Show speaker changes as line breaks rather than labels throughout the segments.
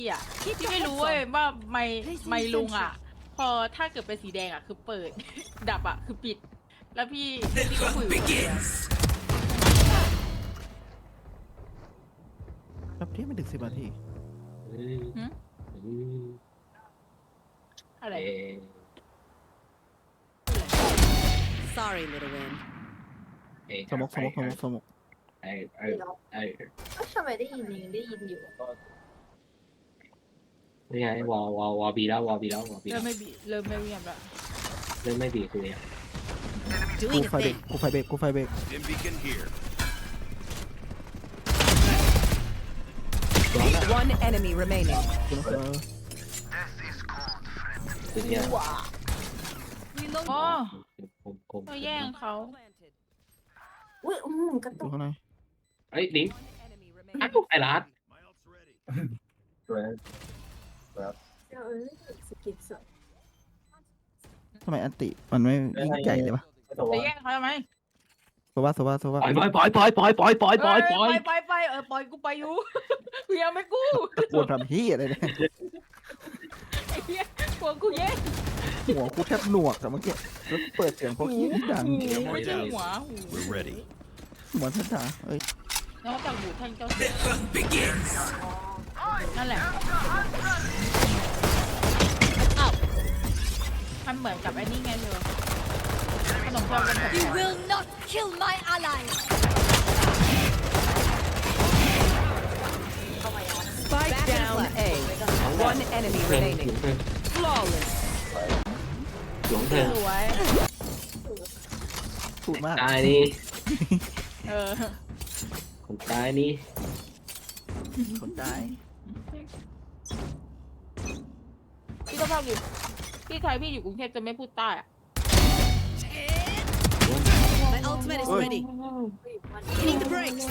อ่ะที่ไม่รู้เว้ยว่าไม่ลุงอ่ะพอถ้าเกิดเป็นสีแดงอ่ะคือเปิด ดับอ่ะคือปิด แล้วพี่ก็คุยกับเดียว
แป๊บเดียวไม่ถึง10 นาที
อะไร
Sorry, little wind.
สมก
ก็ทำไมได้ยินยังได้ยินอยู่
นี่ไงวอบีแล้ววอบีแล้ววอบี
เริ่มไม่บีเริ่มไม่เงียบละ
เริ่มไม่บีคือเนี่ย
กู
Doing a
ไฟเบรก
thing.
กูไฟเบรกกูไฟเบรก
Dim beacon here.
One enemy remaining.
กูนะ
คือเนี่ย
อ๋อ
คม
เราแย่งเขา
อุ้ยกระ
อ
ตุ
ยู่
ก
ข้างใน
เอ้ยลิง
Enemy
อ้าว
remaining.
ไอ้รัด
My ult's ready.
สกิปสด
ทำไมอันติมันไม่ยิ่งใหญ่เลยวะ
จะแย่งเขาทำไม
โซว่า
ปล่อยปล่อยปล่อยปล่อยปล่อยปล่อยปล่อยปล่อย
ไปปล่อยกูไปอยู่ กูยังไม่กู้
ตะโกนทำเฮียอะไรเนี่ย
ไอ้เหี้ยกลัวกูแย่ง
หัวกูแทบหนวกแต่เมื่อกี้แล้วเปิดเสียงพวกขี้ดัง
ไม่ใช่หัวหู
We're ready.
เหมือนทัดดาเอ้ย
นอกจากหูแท่งเจ้าเสือนั่นแหละมันเหมือนกับไอ้นี่ไงเธอขนมปังเป็นแบบ
You will not kill my ally.
Spike down A. One enemy
เพื่อน
remaining.
เพื่อน
Flawless.
หลวงเพื่อน
สวย
พูดมาก
ตายนี่
เออ
คนตายนี่
คนตาย
พี่ก็ภาพอยู่พี่ไทยพี่อยู่กรุงเทพจะไม่พูดใต้อะ
My ultimate is ready. Hitting the brakes.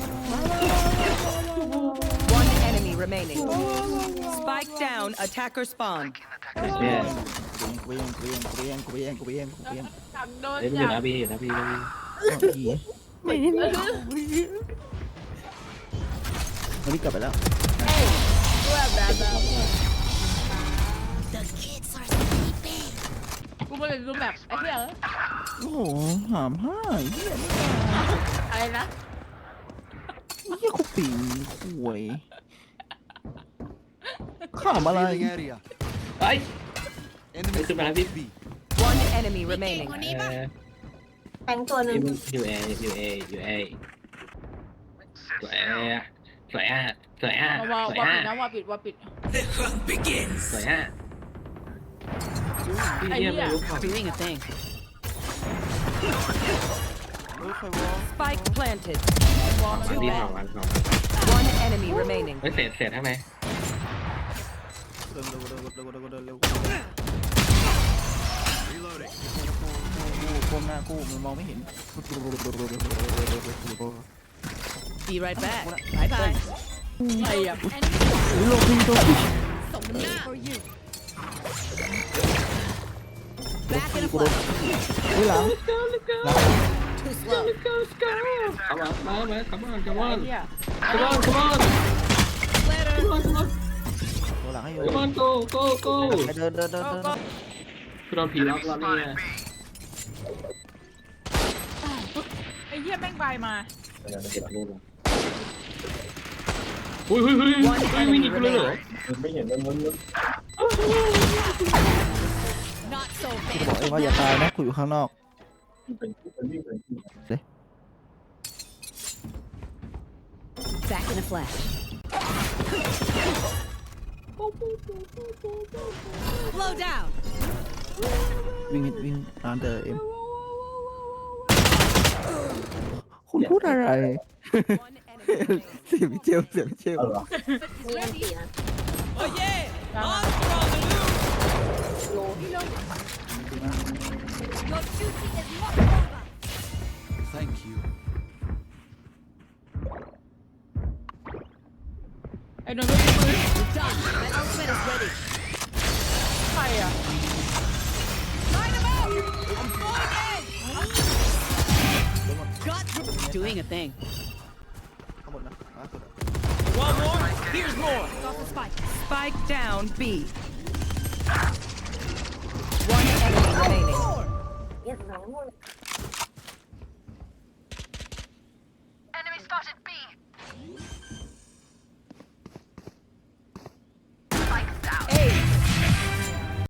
One enemy remaining. Spike down. Attacker spawn.
เนี่ย
กูเอง
สั่งโดน
เอ้ยมันอยู่นะพี่อยู่นะพี่นะพี่
ไม่เห็นมันนี่กลับไปแล้ว
ด้วยแบบ
The kids are sleeping.
กูไม่เลยดูแบบไอ้เหี้ย
โอ้โหหามห้าเฮีย
อะไรนะ
เฮียคุปีห่วยข้ามอะไร
Revealing area.
เฮ้ย
Enemy
Ito ba,
spotted
Habib?
B.
One enemy remaining.
แทงตัวหนึ่ง
ยูเอยูเอยูเอสวยอ่ะสวยอ่ะสวยอ่ะ
ว่า
สวย
ว่า
อ่ะ
ปิดนะว่าปิด
สวยอ่ะพี่เยี่ยมไม่รู้ของ
Doing a thing.
เฮ้ยใครวะ
Spike planted.
วันที่สองวันสอง
One enemy remaining.
เฮ้ยเศษข้างใน
เร็วเร็ว
Reloading.
ก้มหน้ากูมันมองไม่เห็น
Be right back. Bye bye.
ไอ้อะ
โลพีโดน
For you.
Back in a
กูโดน
flash.
เฮ้ยหลัง
Too slow.
เข้ามาเข้ามา come on
ไอ้
come on
เหี้ย
come on come on
Later.
ตัวหลังให้อยู่
come on go go go
เดิน
คือโดนผีล็อกแล้วเนี่ย
ไอ้เหี้ยแม่งบายมา
เจ็บรูปอุ้ยไม่หนีกูเลยเหรอ
Not so
กูบอกเองว่าอย่าตายนะกูอยู่ข้างนอก
Back in a flash. Blow down.
วิ่งตามเดินเอ็มคุณพูดอะไร
One enemy remaining.
เสียงเจล
มีอันตีนะ
Oh yeah.
ตามมา
Your duty is not over.
Thank you.
ไอ้โดนก็มือ
Done. My ultimate is ready.
ใครอะ
Line them up. I'm going in. Got doing a thing.
ข้างบนนะล่าสุด
Got the spike. Spike down B. One enemy remaining.
เรียบร้อยหมดเลย
Enemy spotted B.